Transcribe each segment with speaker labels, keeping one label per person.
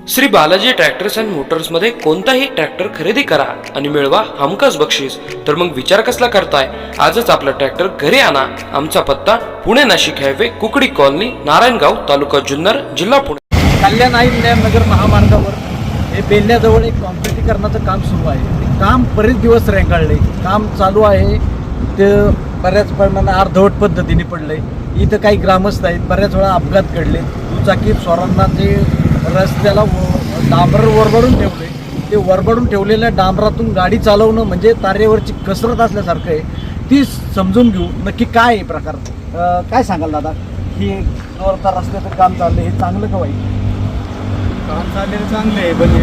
Speaker 1: Shri Balaji tractors and मोटर्समध्ये कोणताही tractor खरेदी करा आणि मिळवा हमखास बक्षीस. तर मग विचार कसला करताय? आजच आपला ट्रॅक्टर घरी आणा. आमचा पत्ता पुणे नाशिक हायवे, कुकडी कॉलनी, नारायणगाव, तालुका जुन्नर, जिल्हा पुणे.
Speaker 2: कल्याण नगर महामार्गावर हे बेल्ल्याजवळ एक कॉन्क्रिटीकरणाचं काम सुरू आहे. ते काम बरेच दिवस रेंगाळले, काम चालू आहे. ते बऱ्याच प्रमाणात अर्धवट पद्धतीने पडलं आहे. इथं काही ग्रामस्थ आहेत, बऱ्याच वेळा अपघात घडले. दुचाकी स्वारांना ते रस्त्याला डांबर वरबडून ठेवले. ते वरबडून ठेवलेल्या डांबरातून गाडी चालवणं म्हणजे तारेवरची कसरत असल्यासारखं आहे. ती समजून घेऊ नक्की काय आहे प्रकार. काय सांगाल दादा, ही जोरदार रस्त्याचं काम चाललं, हे चांगलं का वाईट?
Speaker 3: काम चाललेलं चांगलं आहे, पण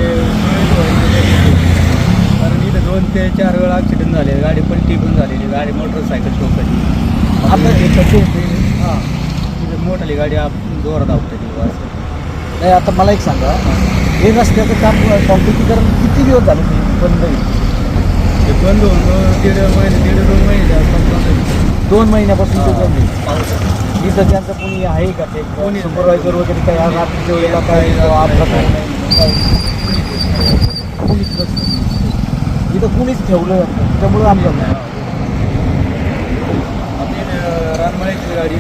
Speaker 3: कारण इथं 2 ते 4 वेळा ॲक्सिडेंट झाले. गाडी पलटी पण झालेली, गाडी मोटरसायकल ठोकली.
Speaker 2: आता हे कसे
Speaker 3: हां, तिथं मोठाली गाडी जोरात आवडते.
Speaker 2: नाही, आता मला एक सांगा, हे रस्त्याचं काम कॉन्क्रिटीकरण किती दिवस झालं ते बंद आहे?
Speaker 3: ते बंद होऊन 1.5-2 महिने
Speaker 2: 2 महिन्यापासून ते बंद आहे. इथं त्यांचं कोणी आहे का, ते कोणी सुपरवायझर वगैरे काही आज रात्रीच्या वेळेला काय अपघात होऊ नये, कोणीच नसतं. इथं कोणीच ठेवलं त्यामुळं अपघात नाही.
Speaker 3: रानमाळ्याची गाडी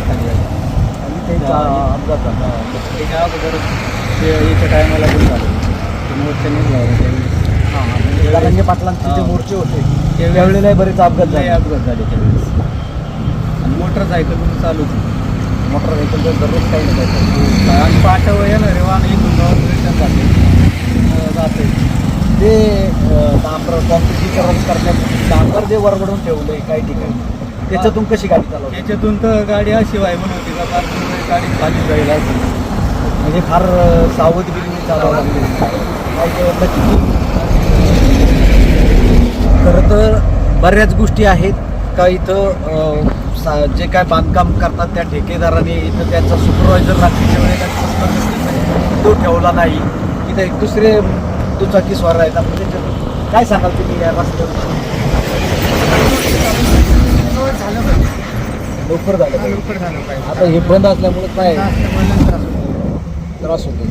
Speaker 2: अपघात झाला.
Speaker 3: त्याच्या अगोदर याच्या टायमाला पण झालं. मोर्चा निघाला त्यावेळेस.
Speaker 2: कारंजे पाटलांचे जे मोर्चे होते त्यावेळेला बरेच अपघात झाले.
Speaker 3: अपघात झाले त्यावेळेस. आणि मोटरसायकल पण चालू होती.
Speaker 2: मोटरसायकल तर दररोज काही नाही
Speaker 3: आणि पाठव येणार रे वाहन इथून जाऊन रिटर्न जाते.
Speaker 2: ते डांबर कॉन्क्रिटीकरण करण्यात डांबर जे वरवडून ठेवलं आहे काही ठिकाणी, त्याच्यातून कशी गाडी चालवते?
Speaker 3: त्याच्यातून तर गाडी अशी व्हायबल होती का पार्किंग गाडी खाली जाईल असं.
Speaker 2: म्हणजे फार सावधगिरीने चालवावं लागते. खरं तर बऱ्याच गोष्टी आहेत का इथं जे काय बांधकाम करतात त्या ठेकेदाराने इथं त्यांचा सुपरवायझर रात्रीच्या वेळेला तो ठेवला नाही. इथं एक दुसरे दुचाकी स्वार आहेत. आपण त्याच्यातून काय सांगाल तुम्ही या रस्त्यावर? लवकर झालं पाहिजे. आता हे बंद असल्यामुळे काय त्रास होतो.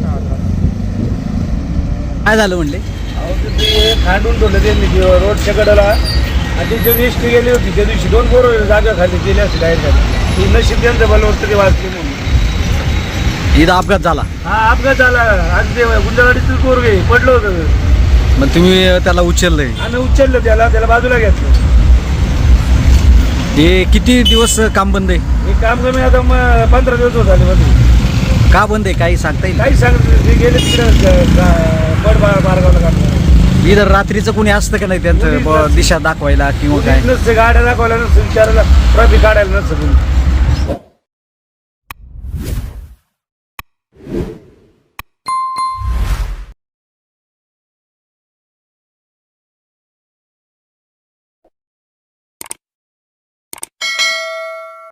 Speaker 2: काय झालं म्हणले?
Speaker 3: ते खांडून ठेवलं त्यांनी रोडच्या कडेला. आणि जी एसटी गेली होती त्या दिवशी 2 पोरं जागा खाली गेली असते डायरेक्ट खाली. ती नशीब त्यांचं भलं होतं ते वाचले म्हणून.
Speaker 2: इथं अपघात झाला.
Speaker 3: हा, अपघात झाला. आज ते गुंजावाडीतील पोरगे पडलं होतं.
Speaker 2: मग तुम्ही त्याला उचललंय?
Speaker 3: आम्ही उचललं त्याला बाजूला घेतलं.
Speaker 2: हे किती दिवस काम बंद आहे?
Speaker 3: हे काम कमी आता 15 दिवस होत आले मध्ये.
Speaker 2: का बंद आहे काही सांगता येईल?
Speaker 3: काही सांगत ते गेले तिकडे पड मार्गावला काम.
Speaker 2: इथं रात्रीचं कोणी असतं का नाही त्यांचं दिशा दाखवायला किंवा काय?
Speaker 3: नसतं, गाड्या दाखवायला नसतं, विचारायला ट्रॅफिक काढायला नसतं.